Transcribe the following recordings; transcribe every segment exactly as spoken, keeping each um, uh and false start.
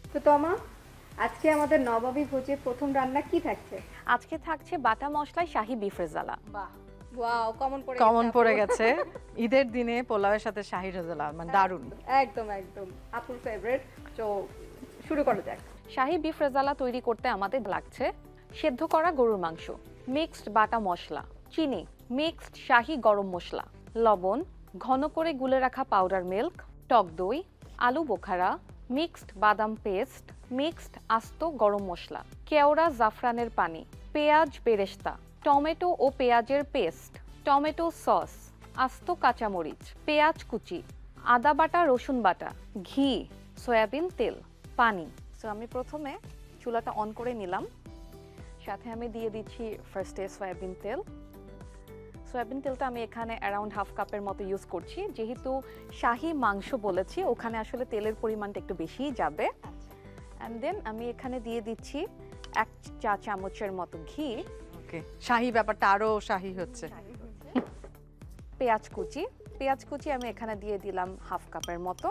তো তোমা, আজকে আমাদের নবাবী ভোজে প্রথম রান্না কি থাকছে? আজকে থাকছে বাটা মশলায় শাহী বিফ রেজালা। বাহ, ওয়াও, কমন পড়ে কমন গেছে পড়ে আপু। গেছে ঈদের দিনে পোলাওয়ের সাথে শাহী রেজালা, মানে দারুণ। একদম একদম আপুর ফেভারিট। তো শুরু করা যাক। শাহী বিফ রেজালা তৈরি করতে আমাদের লাগছে সেদ্ধ করা গরুর মাংস, মিক্সড বাটা মশলা, চিনি, মিক্সড শাহী গরম মশলা, লবণ, ঘন করে গুলে রাখা পাউডার মিল্ক, টক দই, আলু বোখারা, মিক্সড বাদাম পেস্ট, মিক্সড আস্ত গরম মশলা, কেওড়া জাফরানের পানি, পেঁয়াজ বেরেস্তা, টমেটো ও পেঁয়াজের পেস্ট, টমেটো সস, আস্ত কাঁচামরিচ, পেঁয়াজ কুচি, আদা বাটা রসুন বাটা, ঘি, সয়াবিন তেল, পানি। সো আমি প্রথমে চুলাটা অন করে নিলাম, সাথে আমি দিয়ে দিচ্ছি ফার্স্টে সয়াবিন তেল। সয়াবিন তেলটা আমি এখানে অ্যারাউন্ড হাফ কাপের মতো ইউজ করছি, যেহেতু শাহী মাংস বলেছি ওখানে আসলে তেলের পরিমাণটা একটু বেশিই যাবে। অ্যান্ড দেন আমি এখানে দিয়ে দিচ্ছি এক চা চামচের মতো ঘি। ওকে, শাহী ব্যাপারটা আরো শাহী হচ্ছে। পেঁয়াজ কুচি, পেঁয়াজ কুচি আমি এখানে দিয়ে দিলাম হাফ কাপের মতো।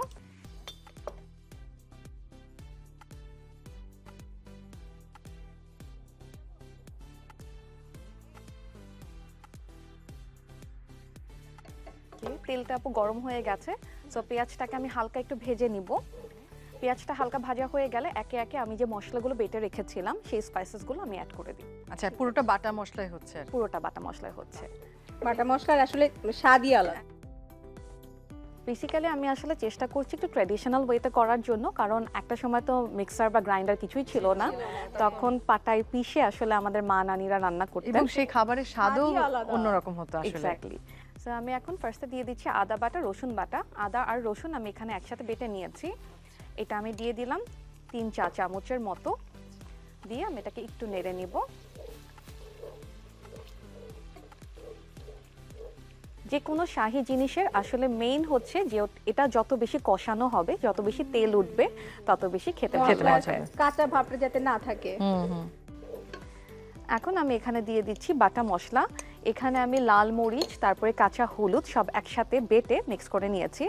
তেলটা আপু গরম হয়ে গেছে, সো পেঁয়াজটাকে আমি হালকা একটু ভেজে নিব। পেঁয়াজটা হালকা ভাজা হয়ে গেলে একে একে আমি যে মশলাগুলো বেটে রেখেছিলাম সেই স্পাইসেসগুলো আমি অ্যাড করে দিই। আচ্ছা, পুরোটা বাটা মশলাই হচ্ছে আর কি। পুরোটা বাটা মশলায় হচ্ছে। বাটা মশলার আসলে স্বাদই আলাদা। বেসিক্যালি আমি আসলে চেষ্টা করছি একটু ট্র্যাডিশনাল ওয়েতে করার জন্য, কারণ একটা সময় তো মিক্সার বা গ্রাইন্ডার কিছুই ছিল না, তখন পাটায় পিষে আসলে আমাদের মা নানিরা রান্না করতেন, এবং সেই খাবারের স্বাদও স্বাদই আলাদা। অন্যরকম হতো আসলে। এক্স্যাক্টলি। সো আমি এখন ফার্স্টে দিয়ে দিচ্ছি আদা বাটা রসুন বাটা। আদা আর রসুন আমি এখানে একসাথে বেটে নিয়েছি, এটা আমি দিয়ে দিলাম তিন চা চামচের মতো, দিয়ে আমি এটাকে একটু নেড়ে নিব। যে কোনো শাহী জিনিসের আসলে মেইন হচ্ছে যে এটা যত বেশি কষানো হবে, যত বেশি তেল উঠবে, তত বেশি খেতে খেতে ভালো মজা লাগবে। হয়। কাঁচা ভাবটা যাতে না থাকে। হুম হুম। এখন আমি এখানে দিয়ে দিচ্ছি বাটা মশলা। এখানে আমি লাল মরিচ তারপরে কাঁচা হলুদ সব একসাথে বেটে মিক্স করে নিয়েছি।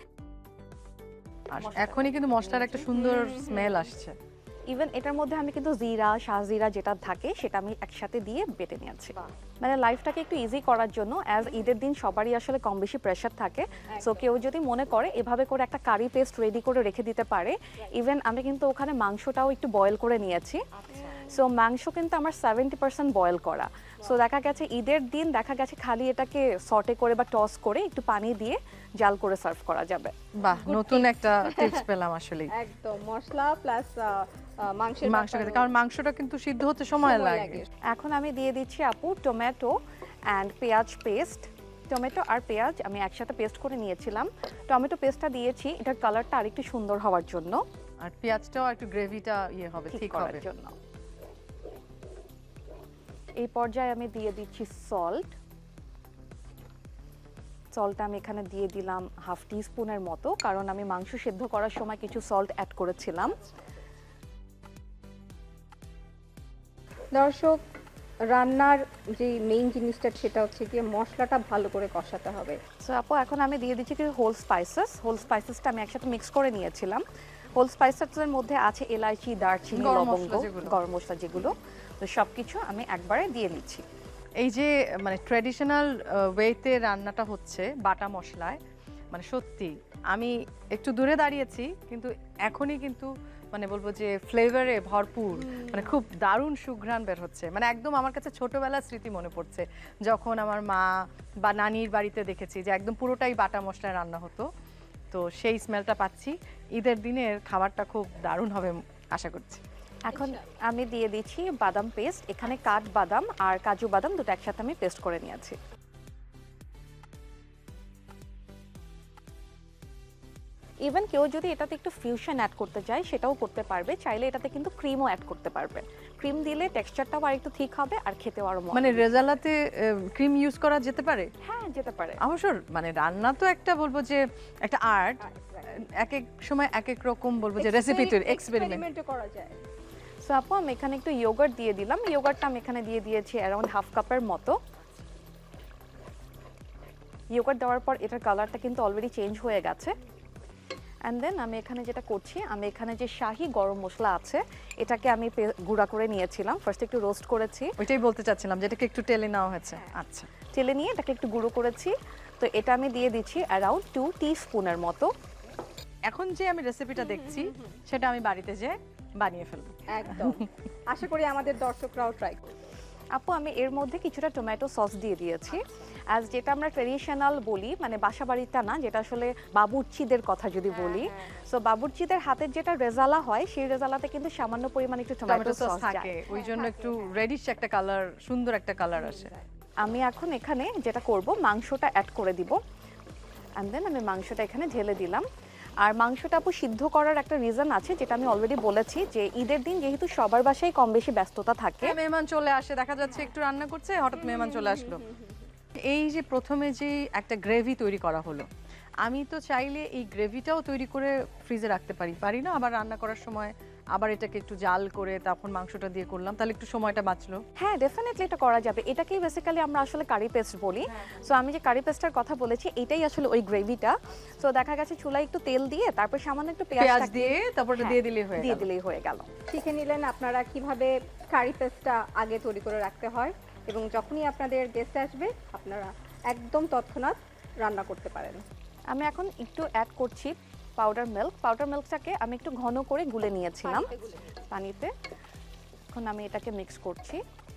আর এখনই কিন্তু মশলার একটা সুন্দর স্মেল আসছে। ইভেন এটার মধ্যে আমি কিন্তু জিরা শাহজিরা যেটা থাকে সেটা আমি একসাথে দিয়ে বেটে নিয়েছি, মানে লাইফটাকে একটু ইজি করার জন্য। অ্যাজ ঈদের দিন সবারই আসলে কম বেশি প্রেশার থাকে, সো কেউ যদি মনে করে এভাবে করে একটা কারি পেস্ট রেডি করে রেখে দিতে পারে। ইভেন আমি কিন্তু ওখানে মাংসটাও একটু বয়েল করে নিয়েছি, সো মাংস কিন্তু আমার সেভেন্টি পার্সেন্ট বয়েল করা। সো দেখা গেছে ঈদের দিন দেখা গেছে খালি এটাকে সটে করে বা টস করে একটু পানি দিয়ে জাল করে সার্ভ করা যাবে। বাহ, নতুন একটা টিপস পেলাম আসলে। একদম মশলা প্লাস মাংসের মাংস খেতে, ব্যাপারও কারণ মাংসটা কিন্তু সিদ্ধ হতে সময় সময় লাগে। লাগে। এখন আমি দিয়ে দিচ্ছি আপু টমেটো অ্যান্ড পেঁয়াজ পেস্ট। টমেটো আর পেঁয়াজ আমি একসাথে পেস্ট করে নিয়েছিলাম। টমেটো পেস্টটা দিয়েছি এটার কালারটা আরেকটু সুন্দর হওয়ার জন্য, আর পেঁয়াজটাও একটু গ্রেভিটা ইয়ে হবে, ঠিক ঠিক করার হবে। জন্য। এই পর্যায়ে আমি দিয়ে দিচ্ছি সল্ট। সল্টটা আমি এখানে দিয়ে দিলাম হাফ টি স্পুনের মতো, কারণ আমি মাংস সেদ্ধ করার সময় কিছু সল্ট অ্যাড করেছিলাম। দর্শক, রান্নার যে মেইন জিনিসটা সেটা হচ্ছে গিয়ে মশলাটা ভালো করে কষাতে হবে। সো আপু এখন আমি দিয়ে দিচ্ছি কিছু হোল স্পাইসেস। হোল স্পাইসেসটা আমি একসাথে মিক্স করে নিয়েছিলাম। হোল স্পাইসেসের মধ্যে আছে এলাচি, দারচিনি, গরম লবঙ্গ, মশলা যেগুলো। গরম মশলা যেগুলো, তো সব কিছু আমি একবারে দিয়ে নিচ্ছি। এই যে মানে ট্র্যাডিশনাল ওয়েতে রান্নাটা হচ্ছে বাটা মশলায়, মানে সত্যি আমি একটু দূরে দাঁড়িয়েছি কিন্তু এখনই কিন্তু মানে বলবো যে ফ্লেভারে ভরপুর, মানে খুব দারুণ সুঘ্রাণ বের হচ্ছে। মানে একদম আমার কাছে ছোটবেলার স্মৃতি মনে পড়ছে, যখন আমার মা বা নানির বাড়িতে দেখেছি যে একদম পুরোটাই বাটা মশলায় রান্না হতো। তো সেই স্মেলটা পাচ্ছি। ঈদের দিনের খাবারটা খুব দারুণ হবে আশা করছি। এখন আমি দিয়ে দিচ্ছি বাদাম পেস্ট। এখানে কাঠ বাদাম আর কাজু বাদাম দুটো একসাথে আমি পেস্ট করে নিয়েছি। ইভেন কেউ যদি এটাতে একটু ফিউশন অ্যাড করতে চায় সেটাও করতে পারবে, চাইলে এটাতে কিন্তু ক্রিমও অ্যাড করতে পারবে। ক্রিম দিলে টেক্সচারটাও আর একটু ঠিক হবে আর খেতেও আরো মজা। মানে রেজালাতে ক্রিম ইউজ করা যেতে পারে? হ্যাঁ, যেতে পারে। অবশ্য মানে রান্না তো একটা বলবো যে একটা আর্ট, এক এক সময় এক এক রকম বলবো যে রেসিপি তৈরি এক্সপেরিমেন্ট এক্সপেরিমেন্টও করা যায়। সো আপু আমি এখানে একটু ইয়োগার্ট দিয়ে দিলাম। ইয়োগার্টটা আমি এখানে দিয়ে দিয়েছি অ্যারাউন্ড হাফ কাপের মতো। ইয়োগার্ট দেওয়ার পর এটার কালারটা কিন্তু অলরেডি চেঞ্জ হয়ে গেছে। অ্যান্ড দেন আমি এখানে যেটা করছি, আমি এখানে যে শাহি গরম মশলা আছে এটাকে আমি পে- গুঁড়া করে নিয়েছিলাম। ফার্স্ট একটু রোস্ট করেছি, ওইটাই বলতে চাচ্ছিলাম, যেটাকে একটু টেলে নেওয়া হয়েছে। আচ্ছা, তেলে নিয়ে এটাকে একটু গুঁড়ো করেছি। তো এটা আমি দিয়ে দিচ্ছি অ্যারাউন্ড টু টিস্পুনের মতো। এখন যে আমি রেসিপিটা দেখছি সেটা আমি বাড়িতে যেয়ে বানিয়ে ফেলবো। একদম আশা করি আমাদের দর্শকরাও ট্রাই করবে। আপু আমি এর মধ্যে কিছুটা টমেটো সস দিয়ে দিয়েছি, অ্যাজ যেটা আমরা ট্রেডিশনাল বলি, মানে বাসা বাড়িটা না, যেটা আসলে বাবুর্চিদের কথা যদি বলি। সো বাবুর্চিদের হাতের যেটা রেজালা হয়, সেই রেজালাতে কিন্তু সামান্য পরিমাণে একটু টমেটো টমেটো সস সস থাকে, থাকে। ওই জন্য একটু রেডিশ একটা কালার, সুন্দর একটা কালার আসে। আমি এখন এখানে যেটা করব, মাংসটা অ্যাড করে দিব। অ্যান্ড দেন আমি মাংসটা এখানে ঢেলে দিলাম। আর মাংসটা আপু সিদ্ধ করার একটা রিজন আছে, যেটা আমি অলরেডি বলেছি, যে ঈদের দিন যেহেতু সবার বাসায় কম বেশি ব্যস্ততা থাকে। হ্যাঁ, মেহমান চলে আসে, দেখা যাচ্ছে একটু রান্না করছে, হঠাৎ মেহমান চলে আসলো। এই যে প্রথমে যে একটা গ্রেভি তৈরি করা হলো, আমি তো চাইলে এই গ্রেভিটাও তৈরি করে ফ্রিজে রাখতে পারি, পারি না? আবার রান্না করার সময় আবার এটাকে একটু জাল করে তখন মাংসটা দিয়ে করলাম, তাহলে একটু সময়টা বাঁচলো। হ্যাঁ, ডেফিনেটলি এটা করা যাবে। এটাকেই বেসিক্যালি আমরা আসলে কারি পেস্ট বলি। সো আমি যে কারি পেস্টের কথা বলেছি, এটাই আসলে ওই গ্রেভিটা। সো দেখা গেছে চুলায় একটু তেল দিয়ে তারপর সামান্য একটু পেঁয়াজ পেঁয়াজ দিয়ে তারপর ওটা দিয়ে দিলেই হয়ে দিয়ে গেল। দিলেই হয়ে গেল। শিখে নিলেন আপনারা কিভাবে কারি পেস্টটা আগে তৈরি করে রাখতে হয়, এবং যখনই আপনাদের গেস্ট আসবে আপনারা একদম তৎক্ষণাৎ রান্না করতে পারেন। আমি এখন একটু অ্যাড করছি পাউডার মিল্ক। পাউডার মিল্কটাকে আমি একটু ঘন করে গুলে নিয়েছিলাম পানিতে। এখন আমি এটাকে মিক্স করছি।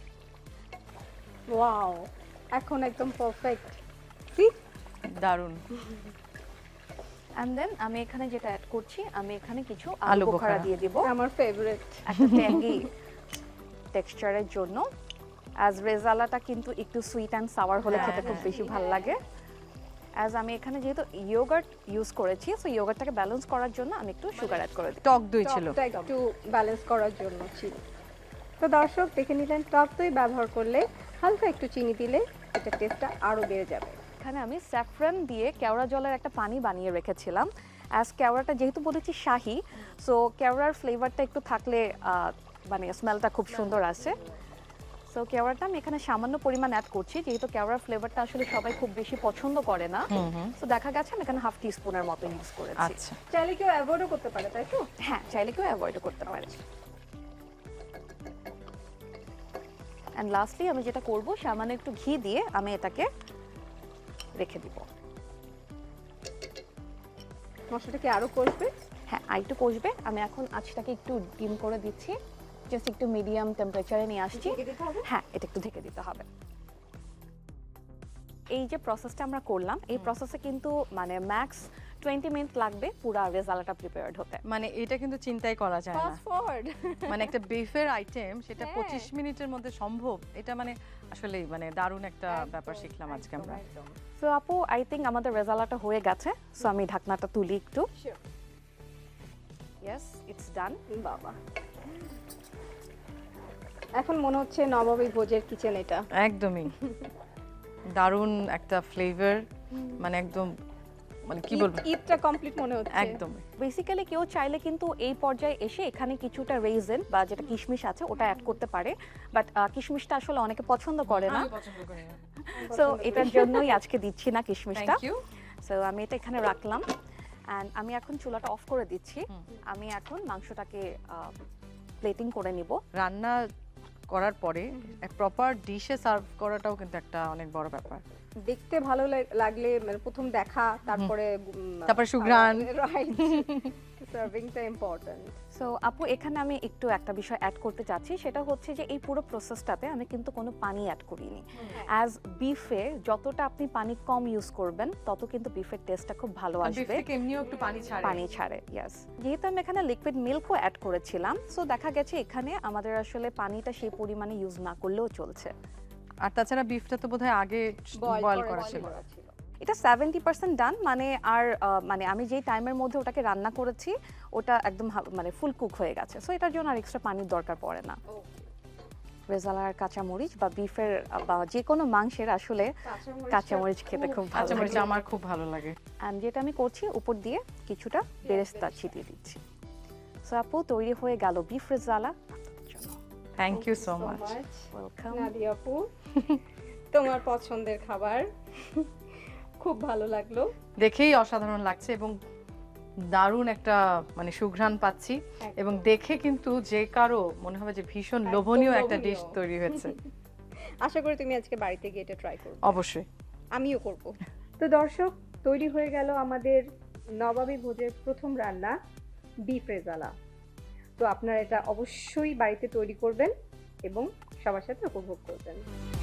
ওয়াও, এখন একদম পারফেক্ট। সি দারুণ। অ্যান্ড দেন আমি এখানে যেটা অ্যাড করছি, আমি এখানে কিছু আলু আলু বোখারা বোখারা দিয়ে দিব আমার ফেভারিট। একটা ট্যাঙ্গি টেক্সচারের জন্য। অ্যাজ রেজালাটা কিন্তু একটু সুইট অ্যান্ড সাওয়ার হলে হ্যাঁ, খেতে খুব হ্যাঁ। বেশি ভালো লাগে। অ্যাজ আমি এখানে যেহেতু ইয়োগার্ট ইউজ করেছি, সো ইয়োগার্টটাকে ব্যালেন্স করার জন্য আমি একটু সুগার অ্যাড করে দিই। টক দই ছিল। টকটা একটু ব্যালেন্স করার জন্য ছিল। তো দর্শক দেখে নিলেন, টক দই ব্যবহার করলে হালকা একটু চিনি দিলে এটা টেস্টটা আরো বেড়ে যাবে। এখানে আমি স্যাফরান দিয়ে কেওড়া জলের একটা পানি বানিয়ে রেখেছিলাম। অ্যাজ কেওড়াটা যেহেতু বলেছি শাহি, সো কেওড়ার ফ্লেভারটা একটু থাকলে আহ, মানে স্মেলটা খুব সুন্দর আসে। সো কেওড়াটা আমি এখানে সামান্য পরিমাণ অ্যাড করছি, যেহেতু কেওড়ার ফ্লেভারটা আসলে সবাই খুব বেশি পছন্দ করে না। সো দেখা গেছে আমি এখানে হাফ টিস্পুনের মতো ইউজ করেছি। আচ্ছা, চাইলে কেউ অ্যাভয়েডও করতে পারে, তাই তো? হ্যাঁ, চাইলে কেউ অ্যাভয়েড করতে পারে। অ্যান্ড লাস্টলি আমি যেটা করব, সামান্য একটু ঘি দিয়ে আমি এটাকে রেখে দিব। মশলাটা কি আরো করবে? হ্যাঁ, আর একটু কষবে। আমি এখন আঁচটাকে একটু ডিম করে দিচ্ছি, জাস্ট একটু মিডিয়াম টেম্পারেচারে নিয়ে আসছি। ঢেকে দিতে হবে? হ্যাঁ, এটা একটু ঢেকে দিতে হবে। এই যে প্রসেসটা আমরা করলাম, এই প্রসেসে কিন্তু মানে ম্যাক্স টোয়েন্টি মিনিট লাগবে পুরো রেজালাটা প্রিপেয়ার্ড হতে। মানে এটা কিন্তু চিন্তাই করা যায় না। Fast forward. মানে একটা বিফের আইটেম সেটা হ্যাঁ। পঁচিশ মিনিটের মধ্যে সম্ভব, এটা মানে আসলে মানে দারুণ একটা ব্যাপার শিখলাম আজকে আমরা। সো আপু, আই থিঙ্ক আমাদের রেজালাটা হয়ে গেছে। সো আমি ঢাকনাটা তুলি একটু। Yes, it's done. বাবা, এখন মনে হচ্ছে নবাবী ভোজের কিচেন এটা। একদমই দারুণ একটা ফ্লেভার, মানে একদম মানে কি বলবো, ঈদ- ঈদটা কমপ্লিট মনে হচ্ছে। একদম। বেসিক্যালি কেউ চাইলে কিন্তু এই পর্যায়ে এসে এখানে কিছুটা রেইজন বা যেটা কিশমিশ আছে ওটা অ্যাড করতে পারে, বাট কিশমিশটা আসলে অনেকে পছন্দ করে না। সো এটার জন্যই আজকে দিচ্ছি না কিশমিশটা। Thank you. সো আমি এটা এখানে রাখলাম, অ্যান্ড আমি এখন চুলাটা অফ করে দিচ্ছি। আমি এখন মাংসটাকে প্লেটিং করে নিব। রান্না করার পরে প্রপার ডিশে সার্ভ করাটাও কিন্তু একটা অনেক বড় ব্যাপার। দেখতে ভালো লাগ- লাগলে মানে প্রথম দেখা, তারপরে উম, তারপরে সুঘ্রাণ। রাইট, সার্ভিংটা ইম্পর্টেন্ট। সো আপু, এখানে আমি একটু একটা বিষয় অ্যাড করতে চাচ্ছি, সেটা হচ্ছে যে এই পুরো প্রসেসটাতে আমি কিন্তু কোনো পানি অ্যাড করিনি। অ্যাজ বিফে যতটা আপনি পানি কম ইউজ করবেন, তত কিন্তু বিফের টেস্টটা খুব ভালো বিফ আসবে। থেকে এমনিও একটু পানি ছাড়ে। পানি ছাড়ে, ইয়েস। যেহেতু আমি এখানে লিকুইড মিল্কও অ্যাড করেছিলাম, সো দেখা গেছে এখানে আমাদের আসলে পানিটা সেই পরিমাণে ইউজ না করলেও চলছে। আর তাছাড়া বিফটা তো বোধহয় আগে বয়েল করা ছিল। এটা সেভেন্টি পার্সেন্ট ডান, মানে আর আহ, মানে আমি যেই টাইমের মধ্যে ওটাকে রান্না করেছি ওটা একদম হা- মানে ফুল কুক হয়ে গেছে। সো এটার জন্য আর এক্সট্রা পানির দরকার পড়ে না। রেজালার কাঁচামরিচ বা বিফের বা যে কোনো মাংসের আসলে কাঁচামরিচ খেতে খুব ভালো কাঁচামরিচ লাগে। আমার খুব ভালো লাগে। অ্যান্ড যেটা আমি করছি, উপর দিয়ে কিছুটা বেরেস্তা ছিটিয়ে দিচ্ছি। সো আপু, তৈরি হয়ে গেল beef rezala. Thank you so much. Welcome. Nadia আপু, তোমার পছন্দের খাবার খুব ভালো লাগলো। দেখেই অসাধারণ লাগছে এবং দারুণ একটা মানে সুঘ্রাণ পাচ্ছি এবং দেখে কিন্তু যে কারো মনে হবে যে ভীষণ একদম লোভনীয় একটা লোভনীয়। ডিশ তৈরি হয়েছে। আশা করি তুমি আজকে বাড়িতে গিয়ে এটা ট্রাই করবে। অবশ্যই। আমিও করব। তো দর্শক, তৈরি হয়ে গেল আমাদের নবাবী ভোজের প্রথম রান্না বিফ রেজালা। তো আপনারা এটা অবশ্যই বাড়িতে তৈরি করবেন এবং সবার সাথে উপভোগ করবেন।